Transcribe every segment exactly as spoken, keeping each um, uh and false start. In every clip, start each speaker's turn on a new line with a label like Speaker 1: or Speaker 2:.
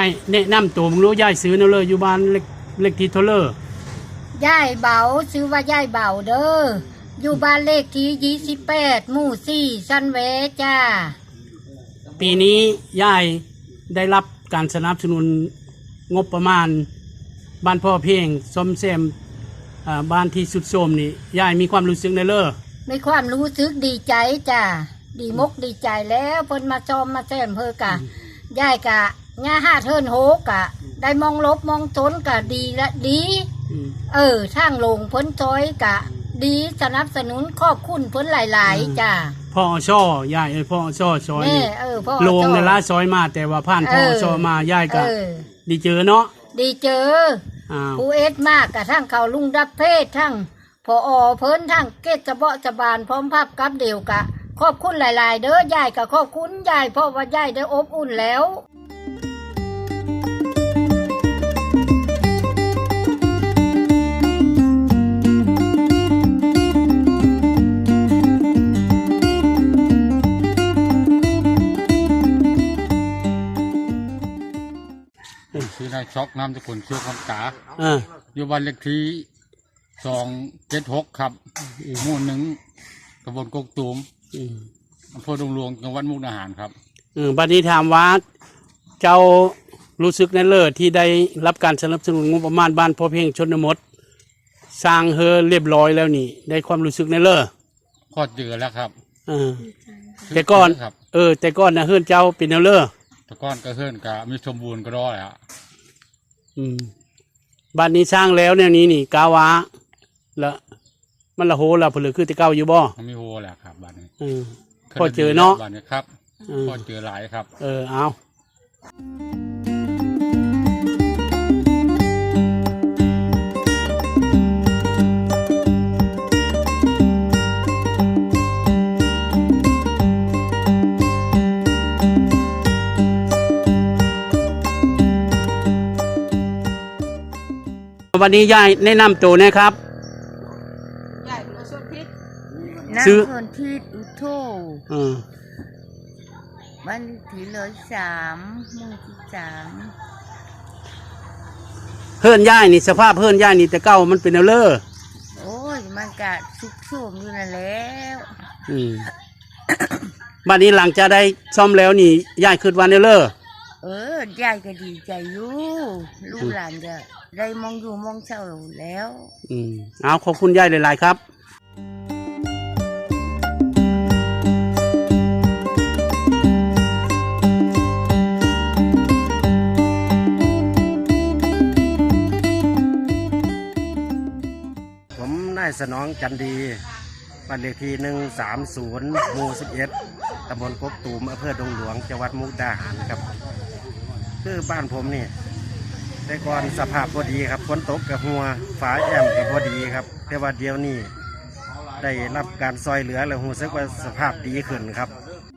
Speaker 1: ายแนะนำตัวมึงรู้ยายซื้อเนาะเลยอยู่บ้านเล็กเล็กที่เท่าเลอย
Speaker 2: ายเบาซื้อว่ายายเบาเด้ออยู่บ้านเลขที่ยี่สิบแปดหมู่สี่ซันเวจ้า
Speaker 1: ปีนี้ยายได้รับการสนับสนุนงบประมาณบ้านพ่อเพียงซ่อมแซมบ้านที่สุดโทรมนี่ยายมีความรู้สึกในเลอ
Speaker 2: มีความรู้สึกดีใจจ้าดีมกดีใจแล้วเพิ่นมาซ่อมมาแซมเพิ่นกะยายกะง่าห้าเทินโหกะได้มองลบมองตนกะดีและดีเออทางลงเพิ่นจอยกะดีสนับสนุนขอบคุณเพิ่นหลายๆจ้า
Speaker 1: พ่อช่อยายเอ้ยพ่อช่อซอยนี่ลงในละซอยมาแต่ว่าผ่านพ่อช่อมายายกะดีเจอเนาะ
Speaker 2: ดีเจอผู้เอ็ดมากกะทั้งเขาลุงดับเพศทั้งพออเพิ่นทั้งเกตจะเบาะจะบานพร้อมภาพกับเดียวกะขอบคุณหลายๆเด้อยายกะขอบคุณยายเพราะว่ายายได้อบอุ่นแล้ว
Speaker 3: ชื่อนายช็อกน้ำตะกุนชื่อคำกาอยู่บ้านเลขที่สองเจ็ดหกครับหมู่หนึ่งตำบลกกตูมอำเภอดงหลวงจังหวัดมุกดาหารครับ
Speaker 1: บัดนี้ถามว่าเจ้ารู้สึกในเลิศที่ได้รับการสนับสนุนงบประมาณบ้านพ่อเพียงชนบทสร้างเฮอเรียบร้อยแล้วนี่ได้ความรู้สึกในเลิศ
Speaker 3: พอเจอแล้วครับ
Speaker 1: แต่ก่อนเออแต่ก่อนนะเฮือนเจ้าเป็นแนวเลิศ
Speaker 3: แต่ก่อนก็เฮือนกะมีสมบูรณ์ก็ร้อยอ่ะ
Speaker 1: อืมบ้านนี้สร้างแล้วแนวนี้นี่กาวะละมันละโหละผลึกคือแต่เก่าอยู่บ่
Speaker 3: มันมีโหแหละครับบ้านนี้
Speaker 1: พอเจอเนาะ
Speaker 3: บ้านนี้ครับพอเจอหลายครับ
Speaker 1: เออเอาวันนี้ยายแนะนำตัวนะครับ
Speaker 2: ยายมาส่วนพิษ
Speaker 4: ซื้อส่วนพิษอุโธบ้านที่เลยสามหมู่ที่สาม
Speaker 1: เฮือนยายนี่สภาพเฮือนยายนี่แต่เก่ามันเป็นแนวเลอ
Speaker 4: โอ้ยมันกะสุกโทรมอยู่นั่นแล้ว
Speaker 1: อืมบ้านนี้หลังจะได้ซ่อมแล้วนี่ยายคิดว่าแนวเลอ
Speaker 4: เออยายก็ดีใจอยู่ลูกหลานจะได้มองอยู่มองเช่าแล้ว
Speaker 1: อืมเอาขอบคุณยายหลายๆครับ
Speaker 5: ผมนายสนองจันดีบ้านเลขที่หนึ่งสามศูนย์หมู่สิบเอ็ดตำบลกกตูมอำเภอดงหลวงจังหวัดมุกดาหารครับคือบ้านผมนี่แต่ก่อนสภาพพอดีครับฝนตกกับหัวฝาแอมกับพอดีครับแต่ว่าเดี๋ยวนี้ได้รับการซอยเหลือแล้วรู้สึกว่าสภาพดีขึ้นครับ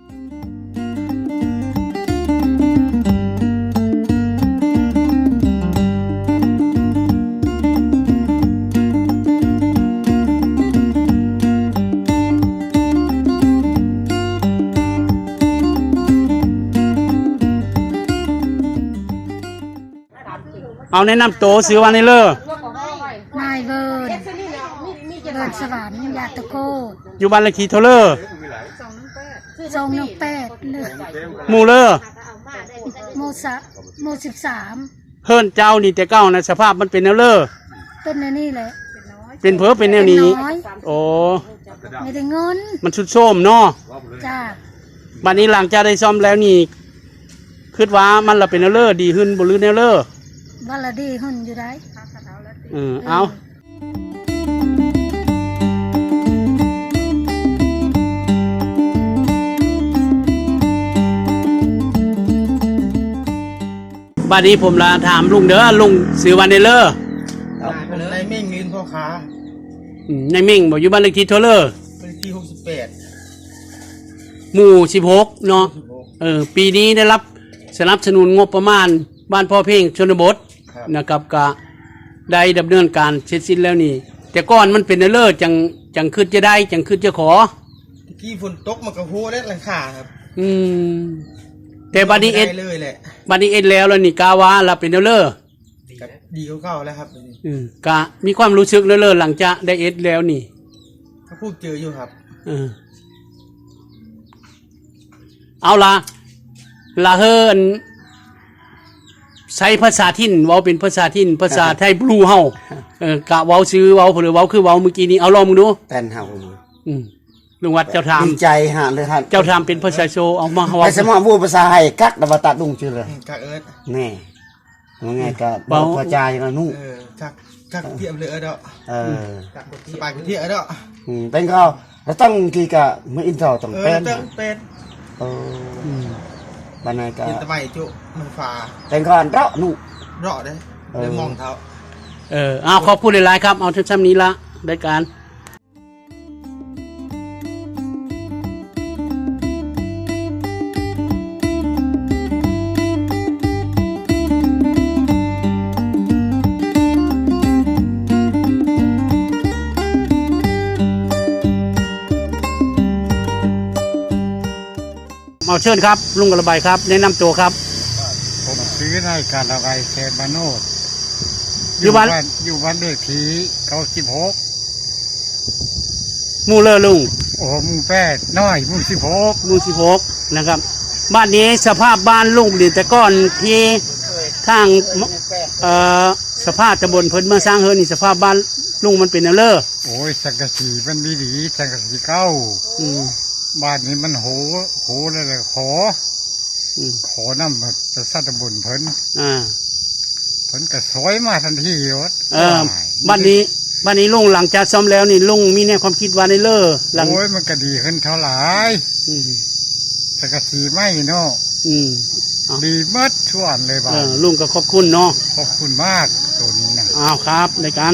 Speaker 1: เอาแนะนำตัวซื้อวันนี้เลย
Speaker 2: นายเบิร์ดเบิร์ดสวรรค์ยาตะโก
Speaker 1: อยู่บ้านเลขที่เท่าเลอ
Speaker 2: สองหนึ่งแปด
Speaker 1: หมู่เลอ
Speaker 2: หมู่สัหมู่สิบสาม
Speaker 1: เฮิรนเจ้านี่แต่เก้านะสภาพมันเป็นแนวเลอ
Speaker 2: เป็นแนวนี้แหละ
Speaker 1: เป็นเพ้อเป็นแนวนี้โอ้
Speaker 2: ไม่ได้เงิน
Speaker 1: มันชุดโทรมเนาะ
Speaker 2: จ้า
Speaker 1: บ้านนี้หลังจากได้ซ่อมแล้วนี่คิดว่ามันละเป็นแนวเลอดีขึ้นบ่หรือแนวเลอ
Speaker 2: บ้านละดีหุ่นอยู่ได้
Speaker 1: เออเอาบัดนี้ผมลาถามลุงเด้อลุงซื้อวันเดลเลอร์
Speaker 6: ในเม่งลินพ่อค้า
Speaker 1: ในเม่งบอกอยู่บ้านเลขที่เท่าเลอร์
Speaker 6: เลขที่หกสิบแปด
Speaker 1: หมู่สิบหกเนาะเออปีนี้ได้รับสนับสนุนงบประมาณบ้านพ่อเพียงชนบทนะครับก็ได้ดำเนินการเสร็จสิ้นแล้วนี่แต่ก่อนมันเป็นเลิศจังจังขึ้นจะได้จังขึ้นจะขอ
Speaker 6: ที่ฝนตกมันก็โหได้หลังคาครับ
Speaker 1: อืมแต่บัดนี้เอ็ด
Speaker 6: ได้เลยแหละ
Speaker 1: บัดนี้เอ็ดแล้วแล้วนี่กาว่าเราเป็นเด้อเลอ
Speaker 6: กับดีกว่าเก่าแล้วครับ
Speaker 1: อืมกะมีความรู้สึกเด้อเลอหลังจากได้เอ็ดแล้วนี่
Speaker 6: ถ้าพูดเจออยู่ครับ
Speaker 1: เออเอาล่ะละเฮิรนใช้ภาษาถิ่นเว้าเป็นภาษาถิ่นภาษาไทยบลูเฮาเออกะเว้าซื้อเว้าหรือเว้าคือเว้าเมื่อกี้นี้เอาลองมึงดู
Speaker 7: แต้นเฮา
Speaker 1: อืมลุงวัดเจ้าถาม
Speaker 7: ดีใจฮะเลยฮะ
Speaker 1: เจ้าถามเป็นภาษาโซเอามาเว้า
Speaker 7: ไอ้สมองพูดภาษาไทยกักดาวตัดดุงชื่อเลย
Speaker 6: อืมกักเอิร์ด
Speaker 7: แน่ว่าไงก็บอกพระจายนะนุ่ง
Speaker 6: เออกักกักเทียบเลยเอิร์ดอ่ะ
Speaker 7: เออ
Speaker 6: สบายกว่าเทียบเอิร์ดอ่ะ
Speaker 7: อืมเป็นก็เราต้องกี่กะเมื่ออินเตอร์ต้อง
Speaker 6: เออ
Speaker 7: เป็น
Speaker 6: เติมเป็น
Speaker 7: เออบันไดก็
Speaker 6: เห็นตะไมจุมันฟ้า
Speaker 7: เป็นก็เราะนุ่ง
Speaker 6: เราะได้เลยมองเท้า
Speaker 1: เออเอาขอบคุณหลายๆครับเอาทั้งๆนี้ละได้การ เอาเชิญครับลุงกระบายครับแนะนำตัวครับ
Speaker 3: ผมซื้อนายการอะไรแคมาโนด
Speaker 1: อยู่บ้าน
Speaker 3: อยู่บ้านเลขที่เก้าสิบหก
Speaker 1: หมูเลอลุง
Speaker 3: โอ้หมูแปดน้อยหมูสิบหก
Speaker 1: หมูสิบหกนะครับ บ้านนี้สภาพบ้านลุงเดีแต่ก้อนที่ทางเอ่อสภาพตำบลเพิ่นเมื่อสร้างเฮือนนี่สภาพบ้านลุงมันเป็นแนวเลอ
Speaker 3: โอ้ยสังกะสีมันดีดีสังกะสีเก้า
Speaker 1: อืม
Speaker 3: บ้านนี้มันโหโหเลยเลยขอ
Speaker 1: อืม
Speaker 3: ขอน้ำแบบจะสัตว์ตำบลเพิ่น
Speaker 1: อ่า
Speaker 3: เพิ่นก็สวยมาทันทีวะ
Speaker 1: เออบ้านนี้บ้านนี้ลุงหลังจากซ่อมแล้วนี่ลุงมีแนวความคิดว่าในเลอหลัง
Speaker 3: โอ้ยมันก็ดีขึ้นเท่าไหร่
Speaker 1: อืม
Speaker 3: สังกะสีไม่เนาะ
Speaker 1: อืม
Speaker 3: ดีเมัดชวนเลยบ้า
Speaker 1: เออลุงก็ขอบคุณเนาะ
Speaker 3: ขอบคุณมากตัวนี้นะ
Speaker 1: อ้าวครับในการ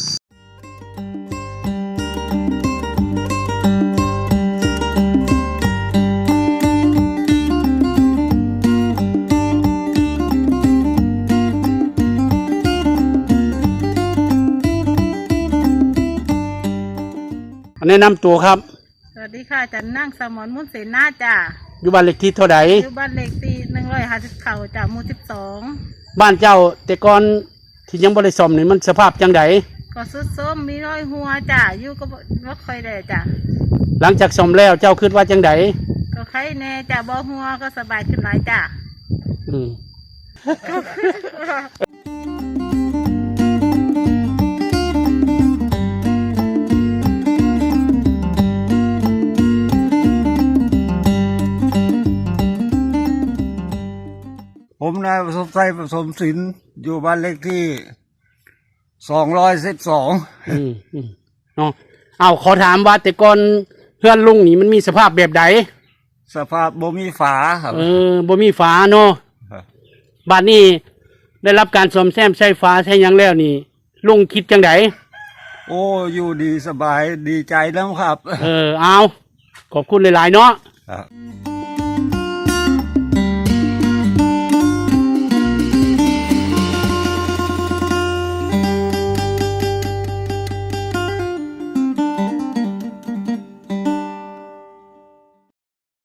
Speaker 1: แนะนำตัวครับ
Speaker 8: สวัสดีค่ะจันนั่งสมรมุนเสนาจ้า
Speaker 1: อยู่บ้านเลขที่เท่าไหร่
Speaker 8: อยู่บ้านเลขที่หนึ่งร้อยห้าสิบเข่าจ้าหมู่สิบสอง
Speaker 1: บ้านเจ้าแต่ก่อนที่ยังบริสมนี่มันสภาพจังได
Speaker 8: ก็สุดส้มมีร้อยหัวจ้าอยู่ก็บ่บ่ค่อยได้จ้า
Speaker 1: หลังจากสมแล้วเจ้าคิดว่าจังได
Speaker 8: ก็ใครแน่จ้าบ่หัวก็สบายขึ้นหลายจ้า
Speaker 1: อืม
Speaker 7: ผมนายผสมไทยผสมศิลป์อยู่บ้านเลขที่สองร้อยสิบสอง
Speaker 1: อืมอืมเนาะเอาขอถามว่าแต่ก่อนเพื่อนลุงนี่มันมีสภาพแบบใด
Speaker 7: สภาพบ่มีฝาครับ
Speaker 1: เออบ่มีฝาเนาะ
Speaker 7: ครับ
Speaker 1: บ้านนี้ได้รับการซ่อมแซมใช้ฝาใช้หยังแล้วนี่ลุงคิดจังได
Speaker 7: โอ้อยู่ดีสบายดีใจแล้วครับ
Speaker 1: เออเอาขอบคุณหลายๆเนาะ
Speaker 7: ครับ